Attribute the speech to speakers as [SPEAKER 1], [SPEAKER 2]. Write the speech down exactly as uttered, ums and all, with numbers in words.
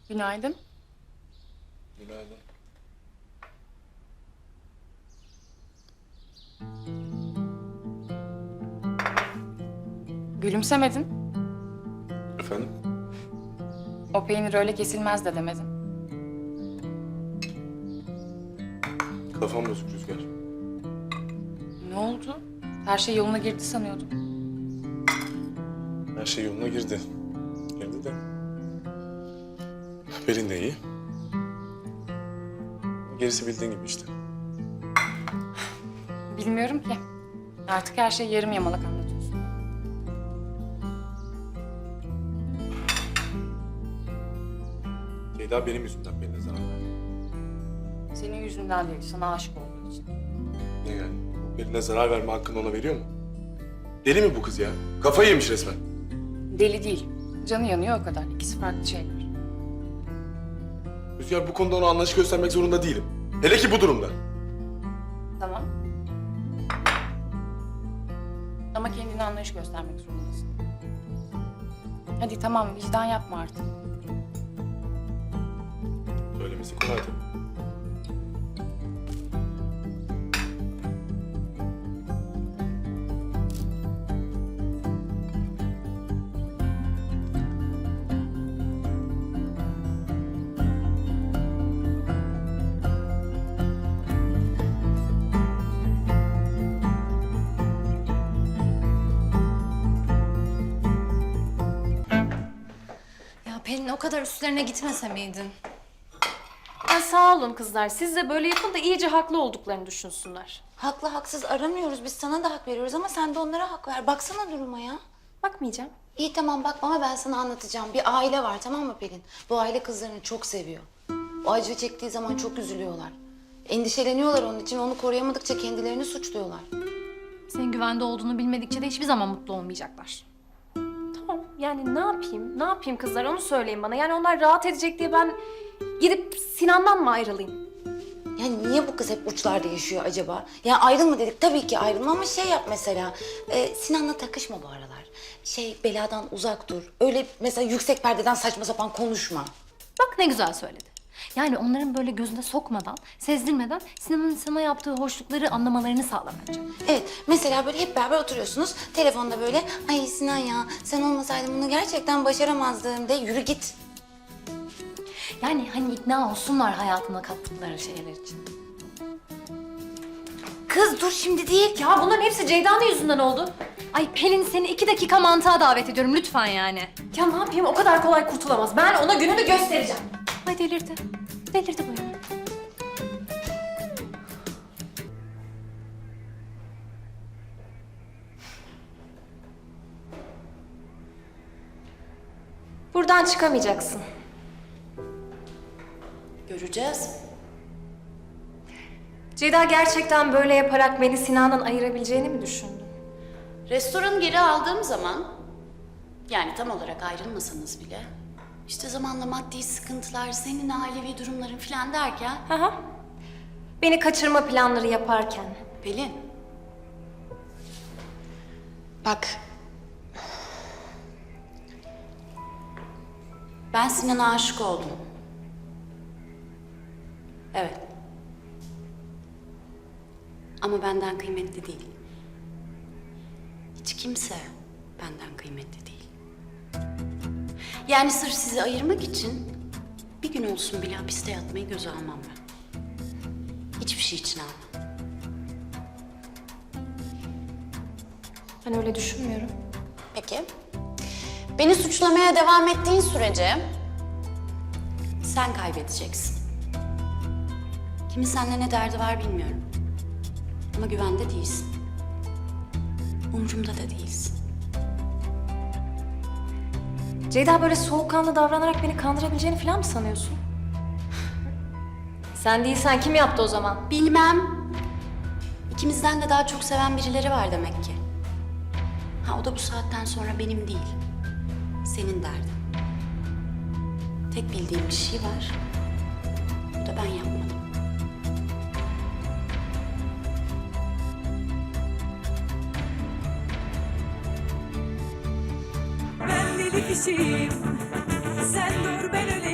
[SPEAKER 1] Günaydın.
[SPEAKER 2] Günaydın.
[SPEAKER 1] Gülümsemedin.
[SPEAKER 2] Efendim?
[SPEAKER 1] O peynir öyle kesilmez de demedin.
[SPEAKER 2] Kafam bozuk Rüzgar.
[SPEAKER 1] Ne oldu? Her şey yoluna girdi sanıyordum.
[SPEAKER 2] Her şey yoluna girdi. Girdi de. Pelin de iyi. Gerisi bildiğin gibi işte.
[SPEAKER 1] Bilmiyorum ki. Artık her şey yarım yamalak anlatıyorsun.
[SPEAKER 2] Ceyda benim yüzümden Pelin'e zarar verdi.
[SPEAKER 1] Senin yüzünden değil, sana aşık olduğu için.
[SPEAKER 2] Ne yani? Pelin'e zarar verme hakkını ona veriyor mu? Deli mi bu kız ya? Kafayı yemiş resmen.
[SPEAKER 1] Deli değil. Canı yanıyor o kadar. İkisi farklı şeyler.
[SPEAKER 2] Rüzgar bu konuda ona anlayış göstermek zorunda değilim. Hele ki bu durumda.
[SPEAKER 1] Tamam. Ama kendine anlayış göstermek zorundasın. Hadi tamam, vicdan yapma artık.
[SPEAKER 2] Söylemesi kolay tabii.
[SPEAKER 3] Ya Pelin o kadar üstlerine gitmese miydin?
[SPEAKER 4] Ya sağ olun kızlar. Siz de böyle yapın da iyice haklı olduklarını düşünsünler.
[SPEAKER 3] Haklı haksız aramıyoruz. Biz sana da hak veriyoruz ama sen de onlara hak ver. Baksana duruma ya.
[SPEAKER 4] Bakmayacağım.
[SPEAKER 3] İyi tamam bakma ama ben sana anlatacağım. Bir aile var tamam mı Pelin? Bu aile kızlarını çok seviyor. O acı çektiği zaman çok üzülüyorlar. Endişeleniyorlar onun için. Onu koruyamadıkça kendilerini suçluyorlar.
[SPEAKER 5] Senin güvende olduğunu bilmedikçe de hiçbir zaman mutlu olmayacaklar.
[SPEAKER 4] Tamam yani ne yapayım? Ne yapayım kızlar onu söyleyin bana. Yani onlar rahat edecek diye ben gidip Sinan'dan mı ayrılayım?
[SPEAKER 3] Yani niye bu kız hep uçlarda yaşıyor acaba? Ya ayrılma dedik tabii ki ayrılma ama şey yap mesela. E, Sinan'la takışma bu aralar. Şey beladan uzak dur. Öyle mesela yüksek perdeden saçma sapan konuşma.
[SPEAKER 5] Bak ne güzel söyledi. Yani onların böyle gözüne sokmadan, sezdirmeden Sinan'ın sana yaptığı hoşlukları anlamalarını sağla bence.
[SPEAKER 3] Evet, mesela böyle hep beraber oturuyorsunuz. Telefonda böyle, ay Sinan ya sen olmasaydın bunu gerçekten başaramazdım de yürü git.
[SPEAKER 5] Yani hani ikna olsunlar hayatına kattıkları şeyler için.
[SPEAKER 3] Kız dur şimdi değil.
[SPEAKER 4] Ya bunların hepsi Ceyda'nın yüzünden oldu.
[SPEAKER 5] Ay Pelin seni iki dakika mantığa davet ediyorum lütfen yani.
[SPEAKER 4] Ya ne yapayım o kadar kolay kurtulamaz. Ben ona gününü göstereceğim.
[SPEAKER 5] Ay delirdi. Delirdi bu ya.
[SPEAKER 4] Buradan çıkamayacaksın.
[SPEAKER 3] Göreceğiz.
[SPEAKER 4] Ceyda gerçekten böyle yaparak beni Sinan'dan ayırabileceğini mi düşündün?
[SPEAKER 6] Restoranı geri aldığım zaman, yani tam olarak ayrılmasanız bile, işte zamanla maddi sıkıntılar, senin ailevi durumların falan derken...
[SPEAKER 4] Hı hı. Beni kaçırma planları yaparken.
[SPEAKER 6] Pelin, bak, ben Sinan'a aşık oldum. Evet. Ama benden kıymetli değil. Hiç kimse benden kıymetli değil. Yani sırf sizi ayırmak için bir gün olsun bile hapiste yatmayı göze almam ben. Hiçbir şey için almam.
[SPEAKER 4] Ben öyle düşünmüyorum.
[SPEAKER 6] Peki. Beni suçlamaya devam ettiğin sürece sen kaybedeceksin. Kimin seninle ne derdi var bilmiyorum. Ama güvende değilsin. Umurumda da değilsin.
[SPEAKER 4] Ceyda böyle soğukkanlı davranarak beni kandırabileceğini falan mı sanıyorsun? Sen değilsen kim yaptı o zaman?
[SPEAKER 6] Bilmem. İkimizden de daha çok seven birileri var demek ki. Ha o da bu saatten sonra benim değil. Senin derdin. Tek bildiğim bir şey var. Bu da ben yapmadım.
[SPEAKER 7] Ben deli kişiyim. Sen dur ben öyle